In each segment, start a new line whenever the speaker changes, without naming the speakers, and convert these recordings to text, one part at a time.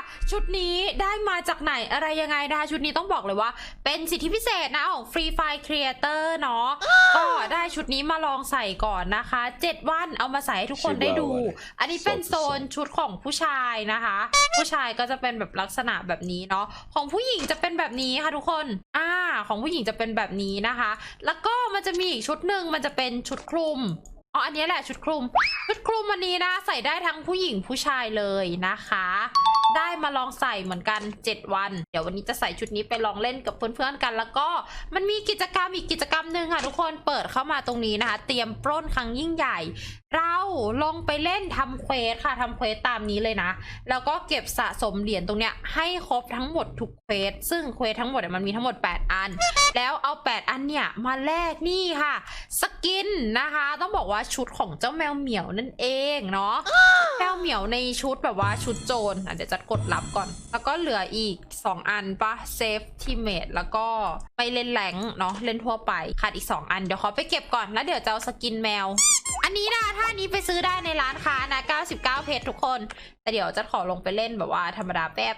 ชุดนี้ได้มาจากไหนอะไรยังไงนะคะชุดนี้ต้องบอกเลยว่าเป็นสิทธิพิเศษนะของ Free Fire Creator เนาะก็ได้ชุดนี้มาลองใส่ก่อนนะคะ7 วันเอามาใส่ให้ทุกคนได้ดูอันนี้เป็นโซนชุดของผู้ชายนะคะผู้ชายก็จะเป็นแบบลักษณะแบบนี้เนาะของผู้หญิงจะเป็นแบบนี้ค่ะทุกคนของผู้หญิงจะเป็นแบบนี้นะคะแล้วก็มันจะมีอีกชุดหนึ่งมันจะเป็นชุดคลุมอันนี้แหละชุดคลุมวันนี้นะใส่ได้ทั้งผู้หญิงผู้ชายเลยนะคะได้มาลองใส่เหมือนกัน7 วันเดี๋ยววันนี้จะใส่ชุดนี้ไปลองเล่นกับเพื่อนๆกันแล้วก็มันมีกิจกรรมอีกกิจกรรมหนึ่งค่ะทุกคนเปิดเข้ามาตรงนี้นะคะเตรียมปล้นครั้งยิ่งใหญ่เราลงไปเล่นทำเควสค่ะทำเควสตามนี้เลยนะแล้วก็เก็บสะสมเหรียญตรงเนี้ยให้ครบทั้งหมดทุกเควสซึ่งเควสทั้งหมดมันมีทั้งหมด8 อันแล้วเอา8 อันเนี่ยมาแลกนี่ค่ะสกินนะคะต้องบอกว่าชุดของเจ้าแมวเหมียวนั่นเองเนาะแมวเหมียวในชุดแบบว่าชุดโจรเดี๋ยวจะกดรับก่อนแล้วก็เหลืออีก2 อันปะเซฟทีเมทแล้วก็ไปเล่นแรงเนาะเล่นทั่วไปขาดอีก2 อันเดี๋ยวขอไปเก็บก่อนแล้วเดี๋ยวจะเอาสกินแมวอันนี้นะถ้านี้ไปซื้อได้ในร้านค้านะ99เพชรทุกคนแต่เดี๋ยวจะขอลงไปเล่นแบบว่าธรรมดาแป๊บ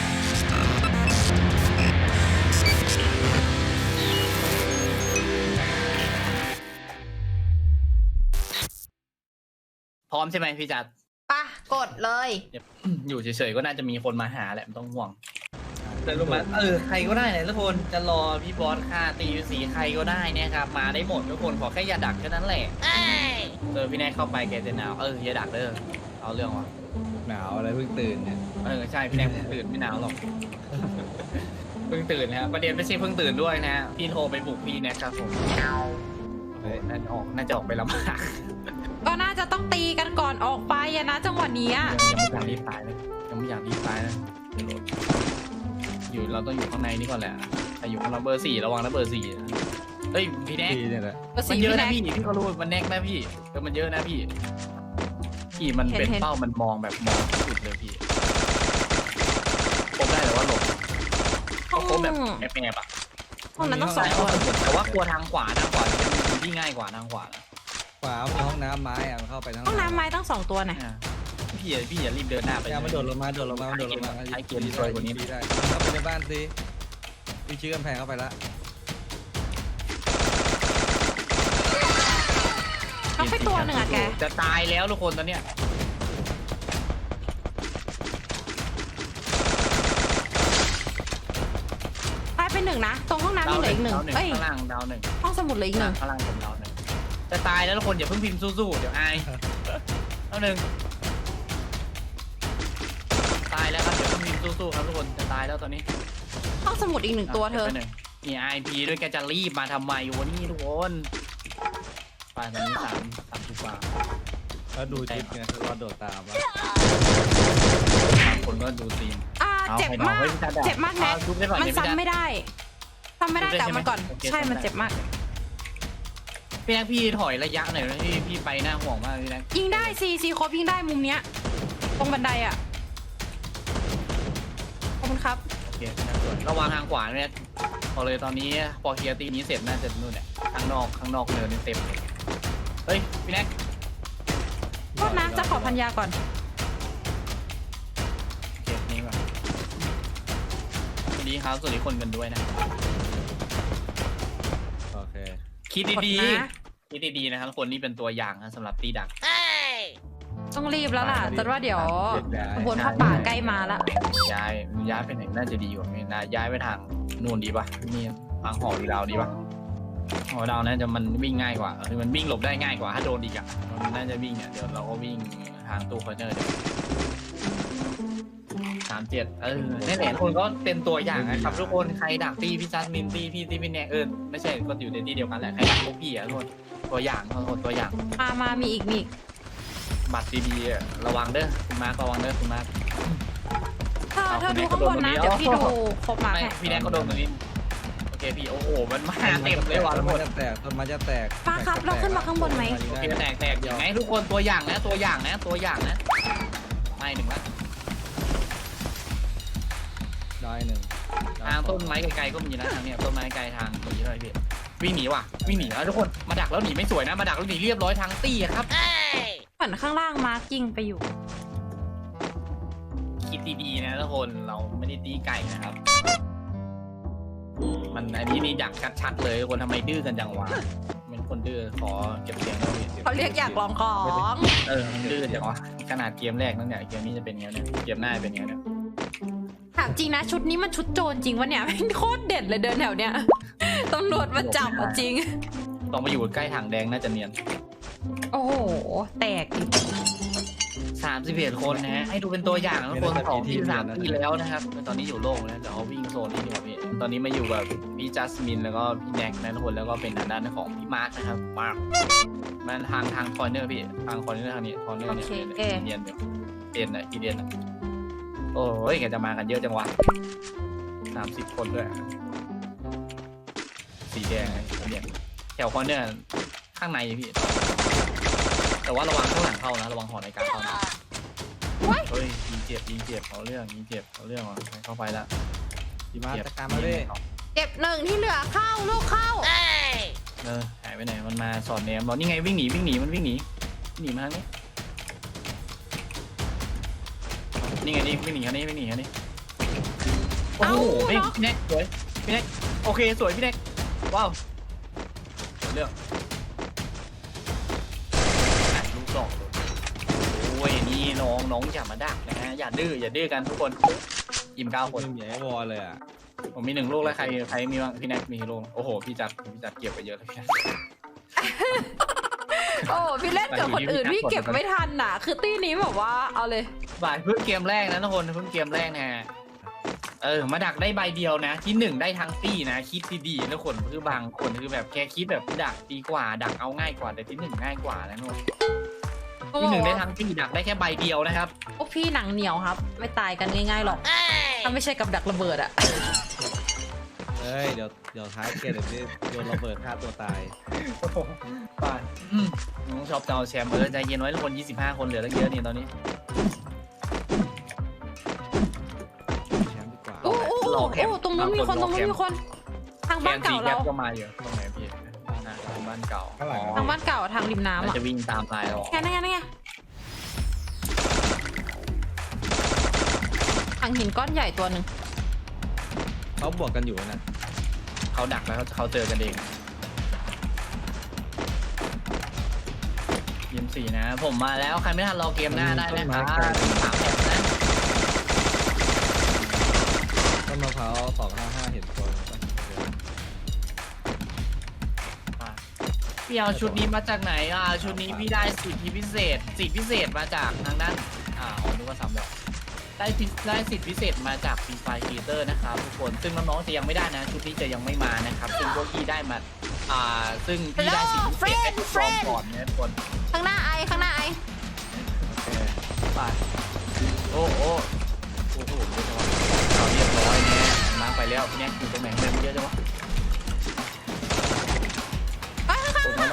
พร้อมใช่ไหมพี่จัด
ปะกดเลย
อยู่เฉยๆก็น่าจะมีคนมาหาแหละไม่ต้องห่วงแต่รู้ไหมใครก็ได้เลยทุกคนจะรอพี่บอสฆ่าตีสีใครก็ได้เนี่ยครับมาได้หมดทุกคนขอแค่อย่าดักแค่นั้นแหละพี่แนทเข้าไปแกจะหนาวอย่าดักเด้อเอาเรื่องวะ
หนาวอะไรเพิ่งตื่นเนี่ย
ใช่พี่แนทเพิ่งตื่นไม่หนาวหรอกเพิ่งตื่นนะประเด็นไม่ใช่เพิ่งตื่นด้วยนะพี่โทรไปปลุกพี่แนทครับผมน่าจะออกไปลำบาก
ก็น่าจะต้องตีกันก่อนออกไปนะจังหวะนี้
ยังไม่อยากรีบตายเลยยังไม่อยากรีบตายนะอยู่เราต้องอยู่ข้างในนี่ก่อนแหละแต่อยู่ข้างเราเบอร์ 4ระวังนะเบอร์ 4เฮ้ยพี่แน็กมันเยอะนะพี่เขารู้มันแน็กนะพี่มันเยอะนะพี่มันเป็นเป้ามันมองแบบมองสุดเลยพี่ผมได้แต่ว่าหลบเขาแบบแอบอะ
ห้องนั้นต้อง2 ตัว
แต่ว่ากลัวทางขวาที่ง่ายกว่าทางขวา
ขวามีห้องน้ำไม้อะมันเข้าไปทั้ง
ห้องน้ำไม้ต้อง2 ตัวนะ
พี่อย่ารีบเดินหน้าไป
มันโดดลงมา
ไอเกียร์รีซอยกว่านี้
ได้เข้าไปในบ้านสิพี่ชื่อกำแพงเข้าไปละ
ต้องไปตัวหนึ่งอะแก
จะตายแล้วทุกคนตอนเนี้ย
ตายไป1นะตรงห้องน้ำมีเหลืออีก1
ข้างล่างดาว1
ห้องสมุดเหลืออีก1
ข้างล่างผมดาว1จะตายแล้วทุกคนอย่าเพิ่งพิมพ์สู้ๆเดี๋ยวอายดาว1ตายแล้วครับเดี๋ยวเพิ่งพิมพ์สู้ๆครับทุกคนจะตายแล้วตอนนี้
ห้องสมุดอีก1 ตัวเธอ
มีไอพีด้วยแกจะรีบมาทำไมวันนี้ทุกคนไปตอนนี้3ทุกว่า
แล้วดูจิ๊บไงรอโดดตามวะ
คนก็ดูตีน
เจ็บมากแน็กมันซ้ำไม่ได้แต่มันก่อนใช่มันเจ็บมาก
พี่แน็กพี่ถอยระยะหน่อยนะพี่ไปหน้าห่วงมากพี่แน็ก
ยิงได้ซีครบยิงได้มุมเนี้ยตรงบันไดอ่ะขอบคุณครับ
โอเคระวังทางขวาเนี่ยพอเลยตอนนี้พอเคลียร์ตีนี้เสร็จน่าจะนู่นเนี่ยข้างนอกเนินเต็มเฮ้ยพี่แน็ก
โทษนะจะขอพันยาก่อน
โอเคนี่ก่อนสวัสดีครับสวัสดีคนกันด้วยนะ
โอเค
คิดดีนะครับคนนี้เป็นตัวอย่างนะสำหรับตีดัก
ต้องรีบแล้วล่ะแต่ว่าเดี๋ยวขบวนผ้าป่าใกล้มาแล้ว
ย้ายไปไหนน่าจะดีกว่านี้นะย้ายไปทางนู่นดีป่ะนี่ทางหอดาวดีป่ะหอดาวน่าจะมันวิ่งง่ายกว่าคือมันวิ่งหลบได้ง่ายกว่าถ้าโดนอีกอ่ะมันน่าจะวิ่งเนี่ยเดี๋ยวเราก็วิ่งทางตู้คอนเทนเนอร์เดี๋ยว37นี่แหละคนก็เป็นตัวอย่างนะครับทุกคนใครดักตีพี่จัสมินตีพี่แน็กไม่ใช่ก็อยู่ในที่เดียวกันแหละใครดักพวกพี่ทุกคนตัวอย่างตัวอย่าง
มามีอีก
บัตรดีๆระวังเด้อคุณมาร์คระวังเด้อคุณมาร์ค
เธอดูข้างบนนะเดี๋ยวพี่ดูครบมา
พี่แน็กก็โดนตรงนี้โอเคพี่โอ้โหมันมาเต็มเลยว่ะทุกคน
ต้นไม้จะแตก
ป้าครับเราขึ้นมาข้างบนไหม
โอเคแตกอย่างไงทุกคนตัวอย่างนะไม่1ละ
ได้1
ทางต้นไม้ไกลๆก็มีนะทางเนี้ยต้นไม้ไกลทางตรงนี้เลยพี่วิ่งหนีแล้วทุกคนมาดักแล้วหนีไม่สวยนะมาดักแล้วหนีเรียบร้อยทางตี้ครับ
เหมือนข้างล่างมาร์กิ้งไปอยู่
คิดดีๆนะทุกคนเราไม่ได้ตีไก่นะครับ มันอันนี้นี่ดักชัดๆเลยคนทำไมดื้อกันจังวะเป็นคนดื้อขอเก็บเสียงหน่อย
เขาเรียกอยากลองของ
มันดื้อจังวะขนาดเกมแรกนั่นเนี่ยเกมนี้จะเป็นไงเนี่ยเกมหน้าเป็นไงเนี่ย
ถามจริงนะชุดนี้มันชุดโจรจริงวะเนี่ยโคตรเด็ดเลยเดินแถวเนี้ยตำรวจมาจับอะจริง
ต้องมาอยู่ใกล้ถังแดงน่าจะเนียน
โอ้โหแตกอีก
31 คนนะฮะให้ดูเป็นตัวอย่างนะทุกคน2ที่3ที่แล้วนะครับตอนนี้อยู่โล่งแล้วเดี๋ยวเอาวิ่งโซนนี้ดีกว่าพี่ตอนนี้มาอยู่กับพี่จัสมินแล้วก็พี่แน็กนะทุกคนแล้วก็เป็นทางด้านของพี่มาร์คนะครับมาร์คมันทางคอร์เนอร์พี่ทางคอร์เนอร์ทางนี้คอร์เนอร์เนี่ยเนียนอยู่เดียนนะอีเดียนนะโอ้ยแกจะมากันเยอะจังวะ30 คนด้วยสีแดงเนี่ยแถวคอร์เนอร์ข้างในพี่แต่ว่าระวังข้างหลังเข้านะระวังหอในการเข้านะเฮ้ยยิงเจ็บเอาเรื่องยิงเจ็บเอาเรื่องว่ะเข้าไปละ
พี่มาจัดการมาด้วย
เก็บหนึ่งที่เหลือเข้าลูกเข้า
หายไปไหนมันมาสอนแนมเรานี่ไงวิ่งหนีมันวิ่งหนีมาทางนี้นี่ไงนี่วิ่งหนีทางนี้โอ้โหพี่แน็กสวยพี่แน็กโอเคสวยพี่แน็กว้าวเรื่องลูกสองโอ้ยนี่น้องอย่ามาดักนะฮะอย่าดื้อกันทุกคนอิ่ม9 คน
ไม่มีไอ้วอลเลยอ่ะ
ผมมี1 ลูกแล้วใครมีบ้างพี่แน็กมีกี่ลูกโอ้โหพี่จัดเก็บไปเยอะเลยพี่
โอ้พี่เล่นกับคนอื่นพี่เก็บไม่ทันน่ะ คือตี้นี้แบบว่าเอาเลย
บ่ายเพิ่งเกมแรกนะทุกคนเพิ่งเกมแรกนะฮะมาดักได้ใบเดียวนะที่1ได้ทั้งตี้นะคิดดีๆนะคนคือบางคนคือแบบแค่คิดแบบดักดีกว่าดักเอาง่ายกว่าแต่ที่1ง่ายกว่านะทุกคนที่1ได้ทั้งตี้ดักได้แค่ใบเดียวนะครับ
พวกพี่หนังเหนียวครับ ไม่ตายกันง่ายๆหรอกถ้าไม่ใช่กับดักระเบิดอะ
เฮ้ยเดี๋ยวท้ายเกมเดี๋ยวพี่โยนระเบิดฆ่าตัวตาย
ป่านน้องชอบจะเอาแชมป์ใจเย็นไว้ทุกคน25 คนเหลือตั้งเยอะนี่ตอนนี้
แชมป์ดีกว่า
โอ้ตรงนู้นมีคนทางบ้านเก่าเรา
ก็มาอยู่ตรงไหนพี่ทางบ้านเก่า
ทางบ้านเก่าทางริมน้ำ
น่า
อะ
จะวิ่งตามลายเรา
นั่นไงทางหินก้อนใหญ่ตัวหนึ่ง
เขาบวกกันอยู่นะ
เขาดักแล้วเขาเจอกันเองเกม4นะผมมาแล้วใครไม่ทันรอเกมหน้าได้นะครับ3 แถบนะ
ต้นมะพร้าว255เห็นตัวปะ
พี่เอาชุดนี้มาจากไหนชุดนี้พี่ได้สิทธิพิเศษมาจากทางด้านนึกว่าซ้ำแล้วได้สิทธิพิเศษมาจาก Free Fire Creator นะครับทุกคนซึ่งน้องๆจะยังไม่ได้นะชุดนี้จะยังไม่มานะครับซึ่งพวกพี่ได้มาซึ่งพี่ได้สิทธิพิเศษให้ทุกคนก่อนนะทุกคน
ข้างหน้าไอ
ไปโอ้โหเยอะจังวะเราเรียบร้อยเนี่ยมาไปแล้วพี่แน็กอยู่ตรงไหนเยอะจังวะผมมาแล้ว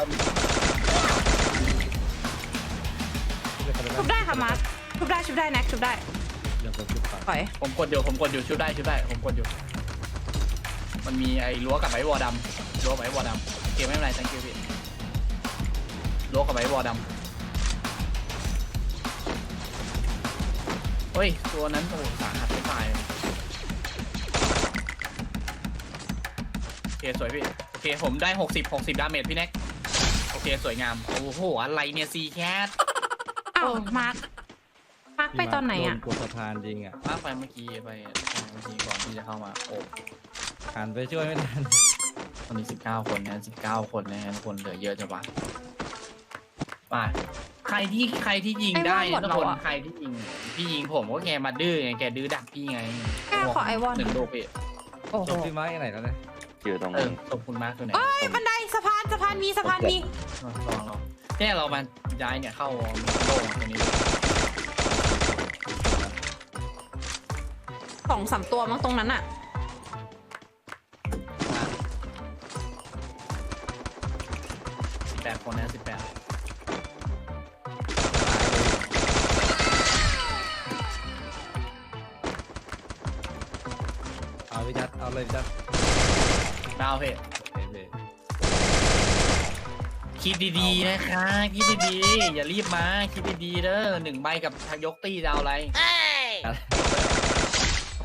ชุบได้ค่ะมาร์คชุบได้แน็กชุบได้
เดี๋ยวผมจุดก่อน
ปล่อย
ผมกดอยู่ชุดได้ผมกดอยู่มันมีไอ้รั้วกับไอ้วอดำรั้วกับไอ้วอดำเกมไม่เป็นไร thank you พี่รั้วกับไอ้วอดำเฮ้ยตัวนั้นโอ้สาหัสไม่ตายโอเคสวยพี่โอเคผมได้60 ดาเมจพี่แน็กโอเคสวยงามโอ้โหอะไรเนี่ยซีแคท
อ้าวมาร์คไปตอนไหนอะ
โดกดสะพานจริงอ่ะ
มากไปเมื่อกี้ก่อนที่จะเข้ามาโอ้
หันไปช่วยไม่ทัน
ตอนนี้19 คนนะ19 คนนะทุกคนเหลือเยอะจังวะมาใครที่ยิงได้ทุกคนใครที่ยิงพี่ยิงผมก็แกมาดื้อไงแกดื้อดักพี่ไง
แค่ขอไอวอน
1 ลูกพี่
โอ้โห
จบพี่ไม้ไหนแล้วเนี่ย
อยู่ตรง
ขอบคุณมากเลยนะ
เอ้ยบันไดสะพานมี
ลองแค่เรามาย้ายเนี่ยเข้าโลกตรงนี้
2-3 ตัวมั้งตรงนั้นอะ
18 คนนะ18
เอาพี่จัดเอาเลยพี่จัด
ดาวเพจ คิดดีๆนะคะคิดดีๆอย่ารีบมาคิดดีๆเด้อ1 ใบกับยกตี้จะเอาอะไร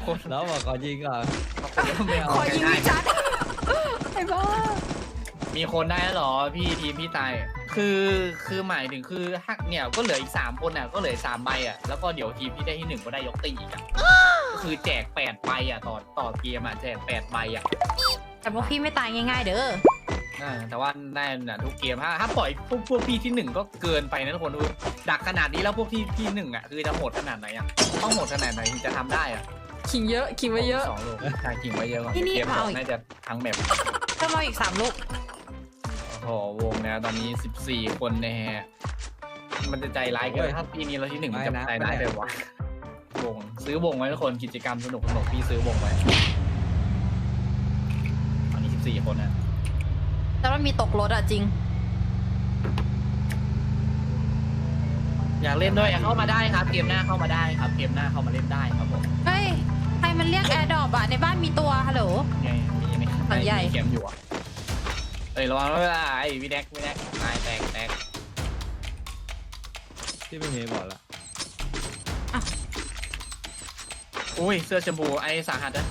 คน
แล้วบอกขอยิงก่อน
ไม่เอา
ขอยิง
ได้
พี่จัดไอ้บ้า
มีคนได้แล้วเหรอพี่ทีมพี่ตายคือหมายถึงคือฮักเนี่ยก็เหลืออีก3คนอ่ะก็เหลือ3ใบอ่ะแล้วก็เดี๋ยวทีมพี่ได้ที่1ก็ได้ยกตีอีกอ่ะก็คือแจก8ใบอ่ะต่อเกมอ่ะแจก8ใบอ่ะ
แต่พวกพี่ไม่ตายง่ายๆเด้อ
แต่ว่าได้น่ะทุกเกมถ้าปล่อยพวกพี่ที่1ก็เกินไปนะทุกคนดูดักขนาดนี้แล้วพวกที่1อ่ะคือจะโหดขนาดไหนอ่ะต้องโหดขนาดไหนถึงจะทำได้อ่ะ
ขิงเยอะขิงไว้เยอะ
2 ลูกใช่ขิงไว้เยอะก่อน
ที่นี่
เกม
เอา
2
อีก
น่าจะทั้งแมป
ต้องเอาอีก3 ลูก
โอ้โหวงเนี่ยตอนนี้14 คนนะฮะมันจะใจร้ายเกินถ้าปีนี้เราที่1มันจะใจร้ายเลยวะวงซื้อวงไว้ทุกคนกิจกรรมสนุกพี่ซื้อวงไว้ตอนนี้14 คนนะ
แต่ว่ามีตกรถอะจริง
อยากเล่นด้วยเข้ามาได้ครับเกมหน้าเข้ามาได้ครับเกมหน้าเข้ามาเล่นได้ครับผม
เฮ้ย ใครมันเรียกแอร์ดรอปอะในบ้านมีตัว ฮัลโหล
ไงมีไหม
หลังใหญ่
มีเกมอยู่อ่ะเอ้ยระวังด้วยไอ้วิแดกตายแตก
ที่ไม่มีบอกละ
อุ้ยเสื้อชมพูไอ้สาหัสนะ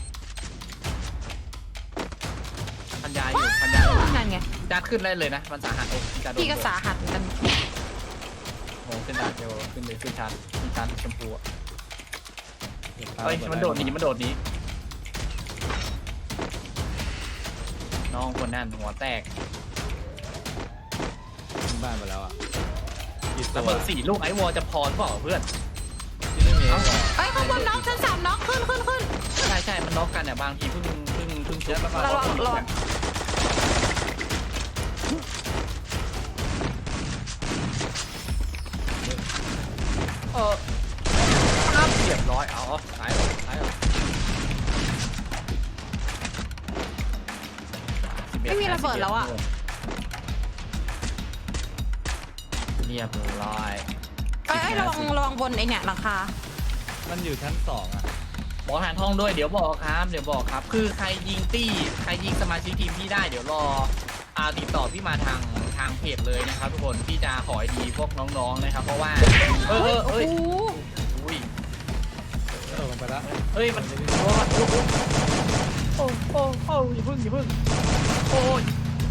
พันยาอยู่
นั่นไง
จัดขึ้นได้เลยนะมันสาหัสโอ้จัดโดน
พี่ก็สาหัสเหมือนกัน
โอ้ขึ้นดาเดียวขึ้นเลยขึ้นชาร์จมีชาร์จชมพูอ่ะ
เดี๋ยวตา
เฮ้ยมันโดดหนีน้องคนนั่นหัวแตก
ขึ้นบ้านไปแล้วอ่ะกี่ตั
ระ
ว
เบิด4 ลูกไอ้วอลจะพอหรือเปล่าเพื่อน
ที่ไม่มีบอก
เอ้ยข้างบนน้องชั้น3น้องขึ้น
ใช่มันน็อกกันเนี่ยบางทีเพิ่งชุบ
ระวัง
ครับเรียบร้อยเอาตายแล้ว
ไม่มีระเบิดแล้วอะ
เรียบร้อย
เอ้ยระวังบนไอเนี่ยหลังคา
มันอยู่ชั้น2อ่ะ
บอกฐานทองด้วยเดี๋ยวบอกครับ คือใครยิงสมาชิกทีมพี่ได้เดี๋ยวรอติดต่อพี่มาทางเพจเลยนะครับทุกคนพี่จะขอไอดีพวกน้องๆนะครับเพราะว่าเอ้ยอุ้ย
ลงไปแล้ว
เอ้ยมันโอ้อย่าพึ่งโอ้ย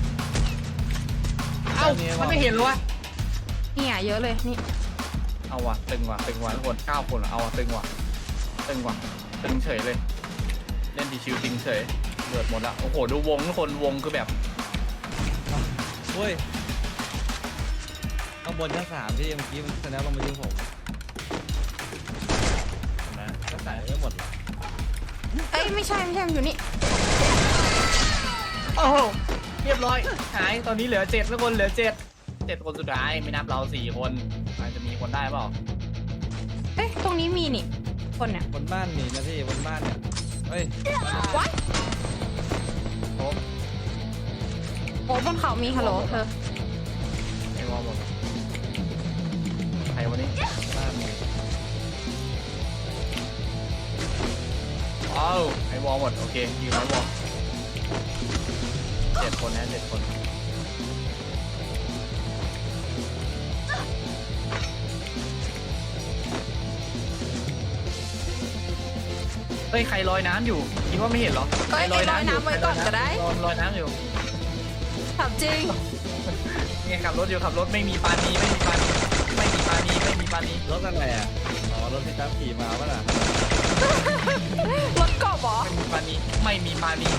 เอ้ามันไม่เห็นเลยวะ
เนี่ยเยอะเลยนี่
เอาว่ะตึงว่ะทุกคน9 คนเอาว่ะตึงเฉยเลยเล่นดีชิวตึงเฉยเดือดหมดละโอ้โหดูวงทุกคนวงคือแบบ
เฮ้ยข้างบนชั้น3ที่เมื่อกี้มันแสดงลงมายิงผม
นะ
ก็ใส่ไม่หมดหรอ
เอ้ยไม่ใช่มันอยู่นี่
โอ้โหเรียบร้อยหายตอนนี้เหลือ7ทุกคนเหลือ7คนสุดท้ายไม่นับเรา4 คนอาจจะมีคนได้เปล่า
เอ้ยตรงนี้มีนี่คนเนี่ย
บนบ้านมีนะพี่บนบ้านเนี่ยเฮ้ย
วัด
โอ้
โอ้บนเขามีฮัลโหลเธอ
ไอ้วอลหมดใครวันนี้
บ้านมี
อ้าวไอ้วอลหมดโอเคยืนไว้วอล7 คนนะ7 คนเฮ้ยใครลอยน้ำอยู่คิดว่าไม่เห็นเหรอ
เอ้ยลอยน้ำไว้ก่อนก็ได้
ลอยน้ำอยู่
ถามจริง
เนี่ยขับรถอยู่ขับรถไม่มีปานีไม่มีปานี
รถอะไรอ่ะอ๋อรถที่ตามขี่มาป่ะล่ะ
รถกอบเหรอ
ไม่มีปานี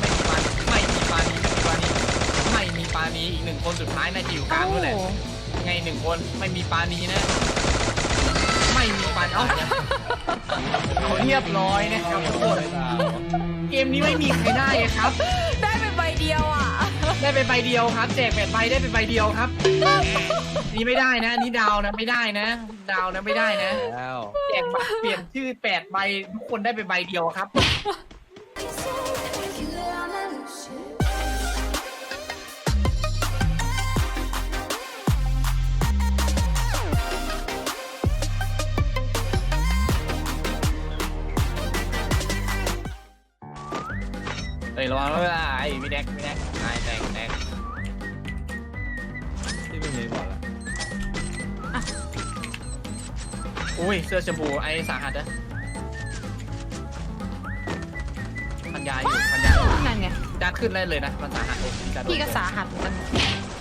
อีก1 คนสุดท้ายน่าจะอยู่กลางด้วยแหละไง1 คนไม่มีปานีนะไม่มีปานีเขาเรียบร้อยนะครับทุกคนเกมนี้ไม่มีใครได้ครับ
ได้ไปใบเดียวอ่ะ
ได้ไปใบเดียวครับแจก8 ใบได้ไปใบเดียวครับนี่ไม่ได้นะนี่ดาวนะไม่ได้นะดาวนะไม่ได้นะ
แล้ว
แจกบัตรเปลี่ยนชื่อ8 ใบทุกคนได้ไปใบเดียวครับ เฮ้ยระวังด้วยไอ้วิแดกตายแตก
ที่ไม่มีบอกละ
อุ้ยเสื้อชมพูไอ้สาหัสนะพันยาอยู่พันยา
นั่นไง
จานขึ้นได้เลยนะมันสาหัสโอ้
พี่ก็สาหัสมัน